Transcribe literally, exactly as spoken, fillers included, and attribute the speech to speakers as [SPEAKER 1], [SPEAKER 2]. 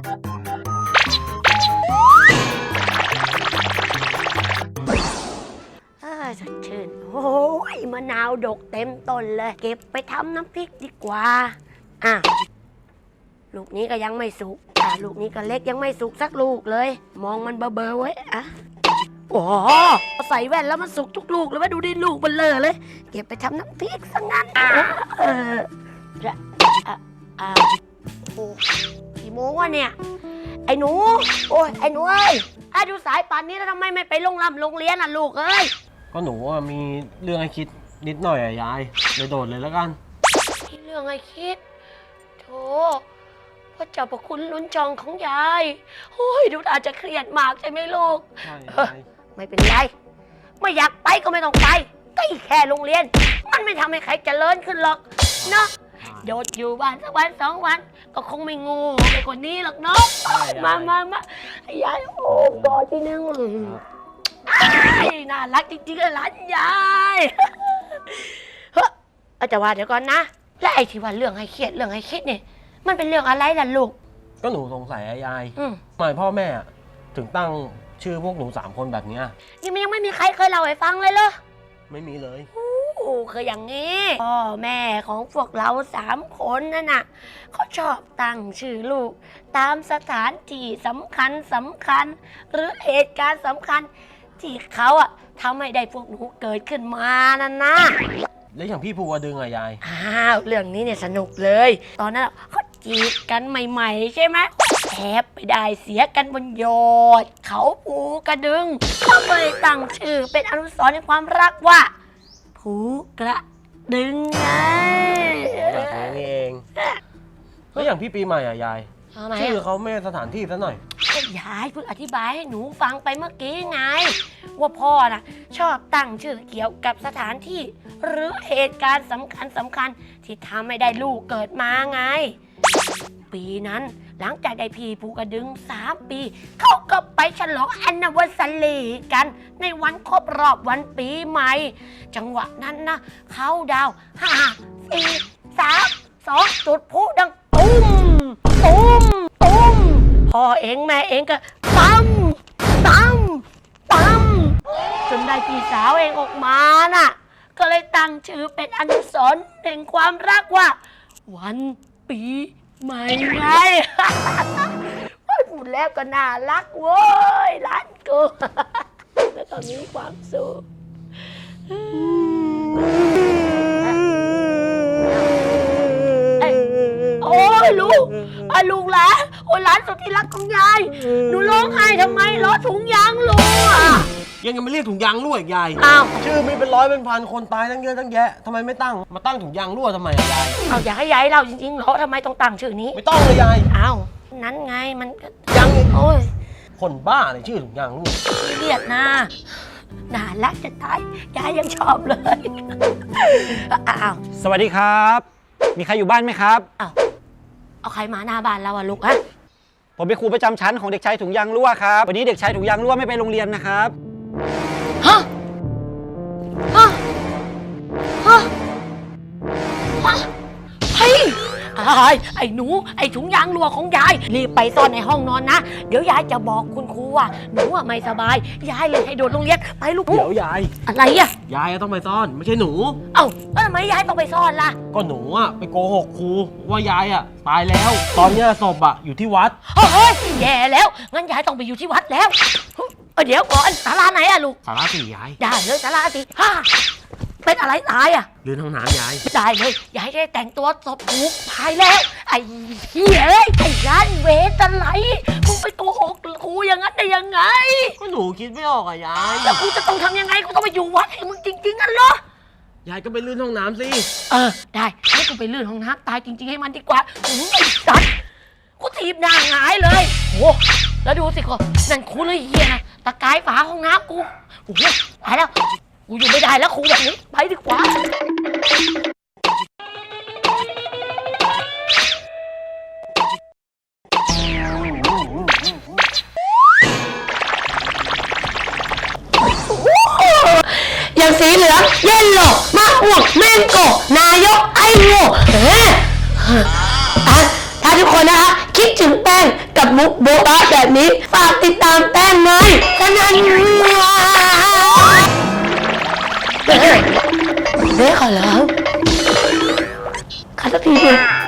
[SPEAKER 1] สดชื่นโอ้ยมะนาวดกเต็มต้นเลยเก็บไปทำน้ำพริกดีกว่าอ่ะลูกนี้ก็ยังไม่สุกอ่ะลูกนี้ก็เล็กยังไม่สุกสักลูกเลยมองมันเบอๆไว้อ่ะโอ้ใส่แว่นแล้วมันสุกทุกลูกเลยว่าดูดิลูกเบลอเลยเก็บไปทำน้ำพริกซะงั้นเอออ่ะอ่ะโอ้กี่โมงวะเนี่ยไอ้หนูโอ้ยไอ้หนูเอ้ยอ่ะดูสายป่านนี้แล้วทำไมไม่ไปโรงรำโรงเรียนอ่ะลูกเอ้ย
[SPEAKER 2] ก็หนูมีเรื่องให้คิดนิดหน่อยอะยายเลยโดดเลยแล้วกัน
[SPEAKER 1] มีเรื่องให้คิดโธ่พ่อเจ้าประคุณลุ้นจองของยายโอ้ยดูอาจจะเครียดมากใช่ไหมลูก
[SPEAKER 2] ใช่
[SPEAKER 1] ไม่เป็นไรไม่อยากไปก็ไม่ต้องไปก็แค่โรงเรียนมันไม่ทำให้ใครเจริญขึ้นหรอกเนาะโดดอยู่บ้านสักวันสองวันก็คงไม่งูไปกว่านี้หรอกเนาะมามามาให้ยายโอ้กอดทีนึงน่ารักจริงๆเลยหลานยายเฮ้ยแต่ว่าเดี๋ยวก่อนนะแล้วไอ้ที่ว่าเรื่องให้เครียดเรื่องให้คิดเนี่ยมันเป็นเรื่องอะไรล่ะลูก
[SPEAKER 2] ก็หนูสงสัยยายทำไมพ่อแม่ถึงตั้งชื่อพวกหนูสามคนแบบนี้
[SPEAKER 1] นี่มันยังไม่มีใครเคยเล่าให้ฟังเลยเหรอ
[SPEAKER 2] ไม่มีเลย
[SPEAKER 1] โอ้คืออย่างนี้พ่อแม่ของพวกเราสามคนนั่นน่ะเขาชอบตั้งชื่อลูกตามสถานที่สำคัญสำคัญหรือเหตุการณ์สำคัญที่เขาอะทำให้ได้พวกหนูเกิดขึ้นมานั่นนะ
[SPEAKER 2] แล้วอย่างพี่ภูวดึงอะยาย
[SPEAKER 1] อ้าวเรื่องนี้เนี่ยสนุกเลยตอนนั้นเขาจีบกันใหม่ๆใช่ไหมแอบไปได้เสียกันบนยอดเขาภูกระดึงเขาเลยตั้งชื่อเป็นอนุสรณ์ในความรักว่าภูกระดึงไง
[SPEAKER 2] แบบนี้เองแล้วอย่างพี่ปีใหม่อะยายชื่อเขาไม่สถานที่ซะหน่อย
[SPEAKER 1] ยายเพิ่งอธิบายให้หนูฟังไปเมื่อกี้ไงว่าพ่อนะชอบตั้งชื่อเกี่ยวกับสถานที่หรือเหตุการณ์สำคัญสำคัญที่ทำให้ได้ลูกเกิดมาไงปีนั้นหลังจากได้พี่ภูกระดึงสามปีเขาก็ไปฉลองแอนนิเวอร์ซารีกันในวันครบรอบวันปีใหม่จังหวะนั้นนะเขาดาวห้าสี่สามสองจุดพลุดังตุ้มตุ้มตุ้มพ่อเองแม่เองก็ตั้มตั้มตั้มจนได้พี่สาวเองออกมาน่ะก็เลยตั้งชื่อเป็นอนุสรณ์แห่งความรักว่าวันปีใหม่ไงพูดแล้วก็น่ารักเว้ยหลานกูแล้วตอนนี้ความสุขโอ้ยลูกไอ้ลูกหลานโอ้ยหลานสุดที่รักของยายหนูร้องไห้ทำไมล้อถุงยางลูกอ่ะ
[SPEAKER 2] ยังยังไม่เรียกถุงยางรั่วอีกยาย
[SPEAKER 1] อ้าว
[SPEAKER 2] ชื่อมีเป็นร้อยเป็นพันคนตายตั้งเยอะตั้งแยะทำไมไม่ตั้งมาตั้งถุงยางรั่วทำไมยาย
[SPEAKER 1] เอาอยากให้ยายเล่าจริงๆเหรอทำไมต้องตั้งชื่อนี้
[SPEAKER 2] ไม่ต้องเลยยาย
[SPEAKER 1] อ้าวนั้นไงมัน
[SPEAKER 2] ยัง
[SPEAKER 1] โอ้ย
[SPEAKER 2] คนบ้าเลยชื่อถุงยางรั่ว
[SPEAKER 1] เรียกนะน่ารักจะตายยายยังชอบเลยอ้าว
[SPEAKER 3] สวัสดีครับมีใครอยู่บ้านไหมครับ
[SPEAKER 1] อ้าวเอาใครมาหน้าบ้านเราอะลูกอะ
[SPEAKER 3] ผมเป็นครูประจำชั้นของเด็กชายถุงยางรั่วครับวันนี้เด็กชายถุงยางรั่วไม่ไปโรงเรียนนะครับ
[SPEAKER 1] ฮะฮะฮะฮะเฮ้ยไอ้หนูไอ้ถุงยางรั่วของยายรีบไปซ่อนในห้องนอนนะเดี๋ยวยายจะบอกคุณครูว่าหนูอะไม่สบายยายเลยให้โดดโรงเรียนไปลูก
[SPEAKER 2] เดี๋ยวยาย
[SPEAKER 1] อะไรอะ
[SPEAKER 2] ยายต้องไปซ่อนไม่ใช่หนู
[SPEAKER 1] เอ้าแล้วทำไมยายต้องไปซ่อนล่ะ
[SPEAKER 2] ก็หนูอะไปโกหกครูว่ายายอะตายแล้วตอนนี้ศพอะอยู่ที่วัด
[SPEAKER 1] เฮ้ยแย่แล้วงั้นยายต้องไปอยู่ที่วัดแล้วเดี๋ยวก่อนศาลาไหนอะลูก
[SPEAKER 2] ศาลาสี่ยาย
[SPEAKER 1] ได้เลยศาลาสี่ฮ่าเป็นอะไรตายอะ
[SPEAKER 2] ลื่นห้องน้ำยาย
[SPEAKER 1] ได้เลยยายได้แต่งตัวศพถูกตายแล้วไอ้เหี้ยไอ้ยันเวทอะไรมึงไปโกหกครูอย่างนั้นได้ยังไง
[SPEAKER 2] ก็หนูคิดไม่ออกอะยาย
[SPEAKER 1] แล้วกูจะต้องทำยังไงกูต้องไปอยู่วัดให้มึงจริงๆนั่นเหร
[SPEAKER 2] อยายก็ไปลื่นห้องน้ำสิ
[SPEAKER 1] เออได้ให้กูไปลื่นห้องน้ำตายจริงๆให้มันดีกว่ามึงไอ้สัตว์กูถีบหน้าหงายเลยโอ้แล้วดูสิคนนั่นครูเลยเหี้ยนะตะกายฝาห้องน้ำกูโอ้โหตายแล้วกูอยู่ไม่ได้แล้วครูแบบนี้ไปดีกว่าอย่างสีเหลืองเยลโล่มะม่วงแมงโก้นายกไอ้โง่เฮ้ยถ้าทุกคนนะคะคิดถึงแป้งกับมุกโบ๊ะแบบนี้ฝากติดตามแป้งหน่อยขนาดนี้เฮ้ยขอร้องขอสักทีเถอะ